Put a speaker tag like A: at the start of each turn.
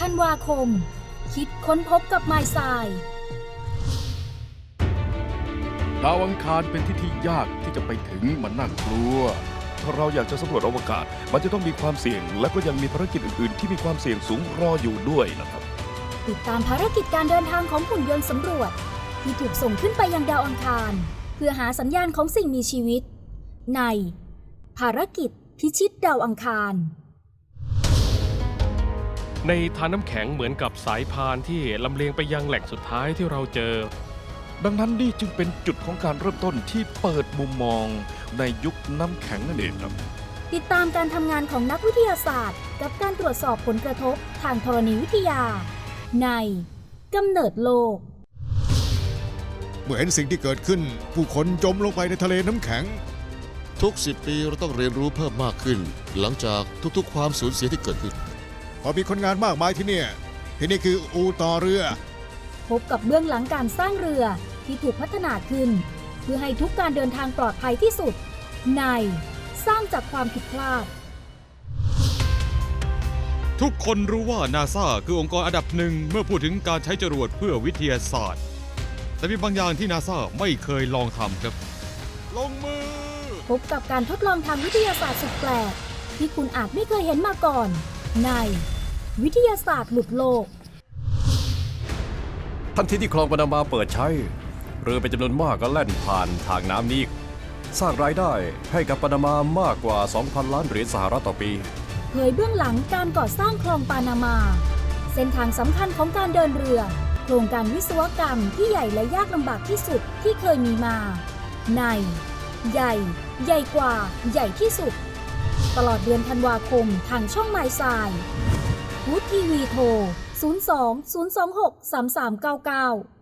A: ธันวาคมคิดค้นพบกับไมล์ทราย
B: ดาวอังคารเป็นที่ยากที่จะไปถึงมันน่ากลัวถ้าเราอยากจะสำรวจอวกาศมันจะต้องมีความเสี่ยงและก็ยังมีภารกิจอื่นๆที่มีความเสี่ยงสูงรออยู่ด้วยนะครับ
A: ติดตามภารกิจการเดินทางของหุ่นยนต์สำรวจที่ถูกส่งขึ้นไปยังดาวอังคารเพื่อหาสัญญาณของสิ่งมีชีวิตในภารกิจพิชิตดาวอังคาร
C: ในทานน้ำแข็งเหมือนกับสายพานที่ลำเลียงไปยังแหล่งสุดท้ายที่เราเจอ
B: ดังนั้นนี่จึงเป็นจุดของการเริ่มต้นที่เปิดมุมมองในยุคน้ำแข็งนั่นเองครับ
A: ติดตามการทำงานของนักวิทยาศาสตร์กับการตรวจสอบผลกระทบทางธรณีวิทยาในกำเนิดโลก
D: เมื่อเห็นสิ่งที่เกิดขึ้นผู้คนจมลงไปในทะเลน้ำแข็ง
E: ทุก10 ปีเราต้องเรียนรู้เพิ่มมากขึ้นหลังจากทุกๆความสูญเสียที่เกิดขึ้น
D: พอมีคนงานมากมายที่นี่คืออู่ต่อเรือ
A: พบกับเบื้องหลังการสร้างเรือที่ถูกพัฒนาขึ้นเพื่อให้ทุกการเดินทางปลอดภัยที่สุดในสร้างจากความผิดพลาด
F: ทุกคนรู้ว่านาซาคือองค์กรอันดับหนึ่งเมื่อพูดถึงการใช้จรวดเพื่อวิทยาศาสตร์แต่มีบางอย่างที่นาซาไม่เคยลองทำครับลงมือ
A: พบกับการทดลองทางวิทยาศาสตร์สุดแปลกที่คุณอาจไม่เคยเห็นมาก่อนในวิทยาศาสตร์หลุดโลก
G: ทันทีที่คลองปานามาเปิดใช้เรือเป็นจำนวนมากก็แล่นผ่านทางน้ำนี้สร้างรายได้ให้กับปานามามากกว่า 2,000 ล้านเหรียญสหรัฐต่อปี
A: เผยเบื้องหลังการก่อสร้างคลองปานามาเส้นทางสำคัญของการเดินเรือโครงการวิศวกรรมที่ใหญ่และยากลำบากที่สุดที่เคยมีมาในใหญ่กว่าใหญ่ที่สุดตลอดเดือนธันวาคมทางช่องไมล์ทรายวูดทีวีโทร 02 026 3399